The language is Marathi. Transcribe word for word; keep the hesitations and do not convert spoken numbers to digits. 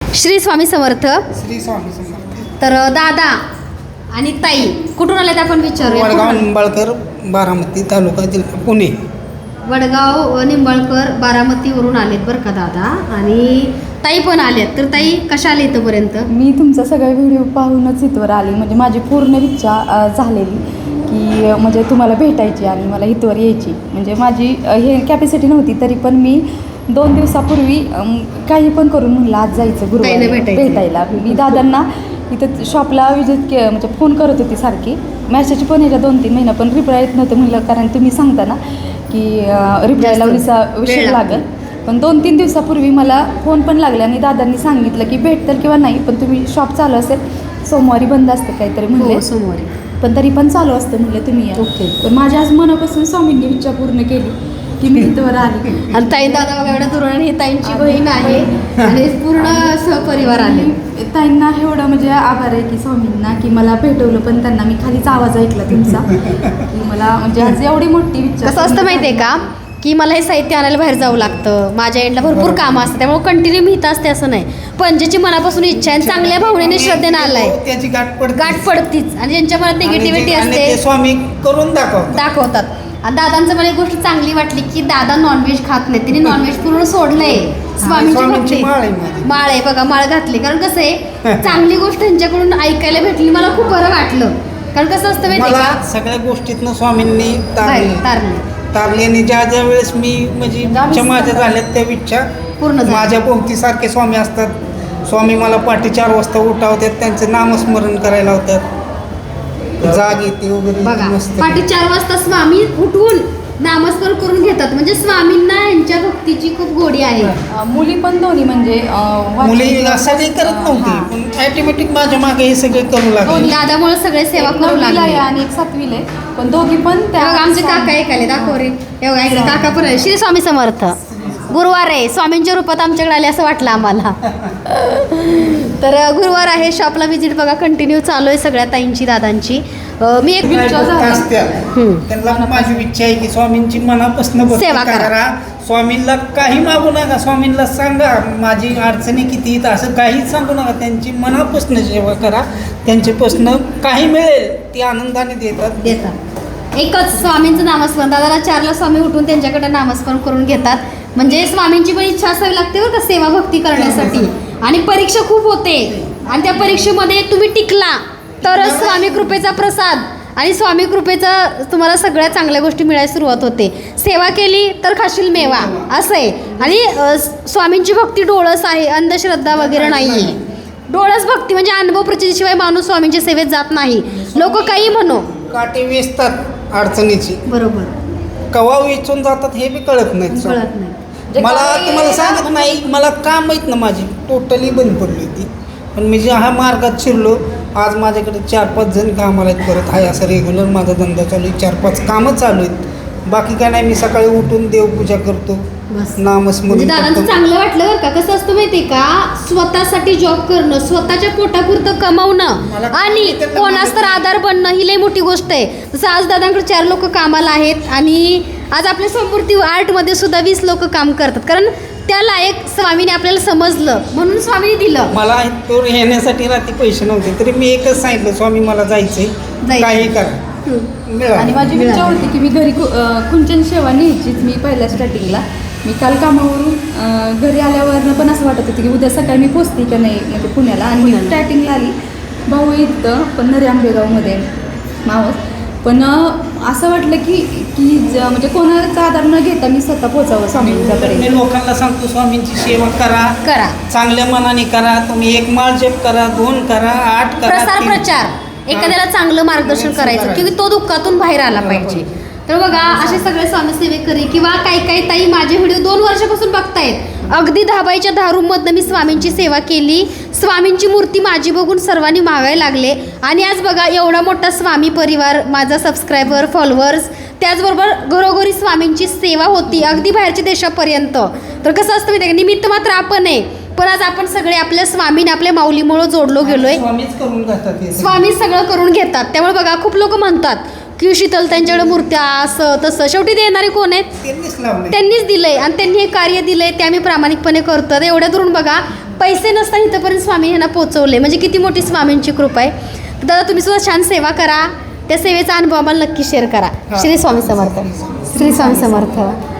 श्री स्वामी समर्थ. श्री स्वामी समर्थ. तर दादा आणि ताई कुठून आलेत आपण विचारूया. वडगाव निंबाळकर, बारामती तालुका, जिल्हा पुणे. वडगाव निंबाळकर बारामतीवरून आलेत बरं का दादा, आणि ताई पण आल्यात. तर ताई कशा आले इथंपर्यंत? मी तुमचा सगळा व्हिडिओ पाहूनच इथवर आली. म्हणजे माझी पूर्ण इच्छा अ, झालेली की अ, म्हणजे तुम्हाला भेटायची आणि मला इथवर यायची. म्हणजे माझी अ, हे कॅपॅसिटी नव्हती, तरी पण मी दोन दिवसापूर्वी अम, काही पण करून म्हणलं आज जायचं ताईला गुरुवारी भेटायचं. भेटायला. मी दादांना इथं शॉपला विजिट के म्हणजे फोन करत होती सारखी. मॅसेज पण याच्या दोन तीन महिना पण रिप्लाय येत नव्हतं. म्हणलं कारण तुम्ही सांगता ना की रिप्लायला विसा विषय लागेल. पण दोन तीन दिवसापूर्वी मला फोन पण लागला आणि दादांनी सांगितलं की भेटतील किंवा नाही, पण तुम्ही शॉप चालू असेल, सोमवारी बंद असते काहीतरी म्हणले. हो, सोमवारी. पण तरी पण चालू असतं म्हणलं तुम्ही या. ओके. पण माझ्या आज मनापासून स्वामींनी इच्छा पूर्ण केली की मी इथवर आली. आणि ताई दादा बघा एवढ्या दुरून ही ताईंची बहीण आहे आणि पूर्ण सहपरिवार आले. ताईंना एवढं म्हणजे आभार आहे की स्वामींना की मला भेटवलं, पण त्यांना मी खालीच आवाज ऐकला तुमचा की मला म्हणजे आज एवढी मोठी इच्छा. कसं असतं माहिती आहे का, की मला हे साहित्य आणायला बाहेर जावं लागतं, माझ्या एंडला भरपूर कामं असतं, त्यामुळे कंटिन्यू मी इथं असते असं नाही. पण ज्याची मनापासून इच्छा आहे, चांगल्या भावनेने श्रद्धेने आलाय, त्याची गाठ पडते. गाठ पडतीच. आणि ज्यांच्या मनात निगेटिव्हिटी आणि ते असते स्वामी करून दाखवतात. दाखवतात. आणि दादांचं मला एक गोष्ट चांगली वाटली की दादा नॉनव्हेज खात नाही, तिने नॉनव्हेज पूर्ण सोडलंय. स्वामींची स्वामींची भक्ती. माळ आहे माझी. माळ आहे बघा, माळ घातली. कारण कसं आहे, चांगली गोष्ट त्यांच्याकडून ऐकायला भेटली, मला खूप बरं वाटलं. कारण कसं असतं माहिती आहे मला का, सगळ्या गोष्टीतनं स्वामींनी बाहेर तारली तारली तारली आणि ज्या ज्या वेळेस मी म्हणजे इच्छा माझ्या झाल्यात त्या इच्छा पूर्ण झाली. माझ्या भोवती सारखे स्वामी असतात. स्वामी मला पहाटे चार वाजता उठावतात, त्यांचं नामस्मरण करायला लावतात, जाग येते वगैरे. बघा मस्त. पहाटे चार वाजता स्वामी उठून नामस्मरण करून घेतात. म्हणजे स्वामींना यांच्या भक्तीची खूप गोडी आहे. अ, मुली पण दोन्ही म्हणजे अ, मुली वाचन- असं काही करत नव्हती, हां. पण ऑटोमॅटिक माझ्या मागे हे सगळे करू लागले. दादामुळे सगळे सेवा एक करू नववीला आहे लागले. आणि एक सातवीला आहे, पण दोघी पण हे बघा, आमचे काका एक आले, दाखव रे. हे बघा, इकडे काका पण आले. श्री स्वामी समर्थ. गुरुवार आहे, स्वामींच्या रूपात आमच्याकडे आले असं वाटलं आम्हाला. तर गुरुवार आहे, शॉपला व्हिजिट बघा कंटिन्यू चालू आहे सगळ्या ताईंची दादांची. अं, मी एक काय इच्छा भक्त झाली. असतात, हम्म. त्यांना माझी इच्छा आहे की स्वामींची मनापासून भक्ती सेवा करा. करा. स्वामींना काही मागू नका, स्वामींना सांगा माझी अडचणी किती आहेत असं काहीच सांगू नका. त्यांची मनापासून सेवा करा, त्यांच्यापासून काही मिळेल ती आनंदाने देतात. देतात. एकच स्वामींचं नामस्मरण. दादाला चारला स्वामी उठून त्यांच्याकडे नामस्मरण करून घेतात. म्हणजे स्वामींची पण इच्छा असावी लागते बरं का सेवा भक्ती करण्यासाठी. आणि परीक्षा खूप होते, आणि त्या परीक्षेमध्ये तुम्ही टिकला तरच स्वामी कृपेचा प्रसाद आणि स्वामी कृपेचा तुम्हाला सगळ्या चांगल्या गोष्टी मिळायला सुरुवात होते. सेवा केली तर खाशील मेवा असं आहे. आणि अ, स्वामींची भक्ती डोळस आहे, अंधश्रद्धा वगैरे नाही आहे. डोळस भक्ती म्हणजे अनुभव प्रचितीशिवाय माणूस स्वामींच्या सेवेत जात नाही. लोक काही म्हणो. काटे वेचतात अडचणीची, बरोबर, कवा वेचून जातात हे बी कळत नाही. कळत नाही. जे मला काही तुम्हाला सांगत नाही, मला काम माहीत ना माझी टोटली बंद पडली होती. पण मी ज्या हा मार्गात शिरलो, आज माझ्याकडे चार पाच जण कामाला आहेत, करत आहे असं रेग्युलर माझा धंदा चालू आहे. चार पाच कामं चालू आहेत. बाकी काय नाही, मी सकाळी उठून देवपूजा करतो, बस. नामस्मरण म्हणजे दादांचं करतो. चांगलं वाटलं बरं का. कसं असतं माहितीये का, स्वतःसाठी जॉब करणं, स्वतःच्या पोटापुरतं मला कमवणं आणि त्यांना कोणास तर आधार बनणं ही लई मोठी गोष्ट आहे. जसं आज दादांकडे चार लोक कामाला आहेत, आणि आज आपल्या समृद्धी आर्टमध्ये सुद्धा वीस लोक काम करतात. कारण त्या लायक स्वामीने आपल्याला समजलं म्हणून स्वामीने दिलं. मला इथवर येण्यासाठी रात्री पैसे नव्हते, तरी मी एकच सांगितलं, स्वामी मला जायचंय, जायचंय. काही करा. हम्म. मिळालं. आणि माझी मिळाली. इच्छा होती की मी घरी कु- अ, कुंचन सेवा न्यायचीच. मी पहिल्या स्टार्टिंगला मी काल कामावरून अ, घरी आल्यावर पण असं वाटत होतं की उद्या सकाळी मी पोचते का नाही म्हणजे पुण्याला. आणि मी पुण्याला. स्टार्टिंगला आली, भाऊ इथं पण नरे आंबेगावमध्ये मावस. पण अ, असं वाटलं की की ज- म्हणजे कोणाचा आधार न घेता मी स्वतः पोचावं मी स्वामींच्यापर्यंत. लोकांना सांगतो, स्वामींची सेवा करा, करा. चांगल्या मनाने करा. तुम्ही एक माळ जप करा, दोन करा, आठ करा, प्रसार तीन- प्रचार एखाद्याला चांगलं मार्गदर्शन करायचं, की तो दुःखातून बाहेर आला पाहिजे. तर बघा असे सगळे स्वामी सेवेकरी किंवा काही काही ताई माझे व्हिडिओ दोन वर्षापासून बघतायत. अगदी दहाबाईच्या दहा रूममधनं मी स्वामींची सेवा केली. स्वामींची मूर्ती माझी बघून सर्वांनी मागायला लागले. आणि आज बघा एवढा मोठा स्वामी परिवार, माझा सबस्क्रायबर, फॉलोअर्स, त्याचबरोबर घरोघरी स्वामींची सेवा होती, अगदी बाहेरच्या देशापर्यंत. तर कसं असतं माहिती आहे का, निमित्त मात्र आपण आहे, पण आज आपण सगळे आपल्या स्वामीने आपल्या माऊलीमुळं जोडलो गेलोय. स्वामीच करून जातात हे सगळं. स्वामी सगळं करून घेतात. त्यामुळे बघा खूप लोक म्हणतात की शीतल त्यांच्याकडे मूर्त्या असं तसं, शेवटी देणारे कोण आहेत? त्यांनीच लावले. त्यांनीच दिलंय आणि त्यांनी हे कार्य दिलंय ते आम्ही प्रामाणिकपणे करतो. एवढ्या दुरून बघा पैसे नसताना इथंपर्यंत स्वामी यांना पोचवले, म्हणजे किती मोठी स्वामींची कृपा आहे. तर दादा तुम्ही सुद्धा छान सेवा करा, त्या सेवेचा अनुभव आम्हाला नक्की शेअर करा. श्री स्वामी समर्थ. श्री स्वामी समर्थ.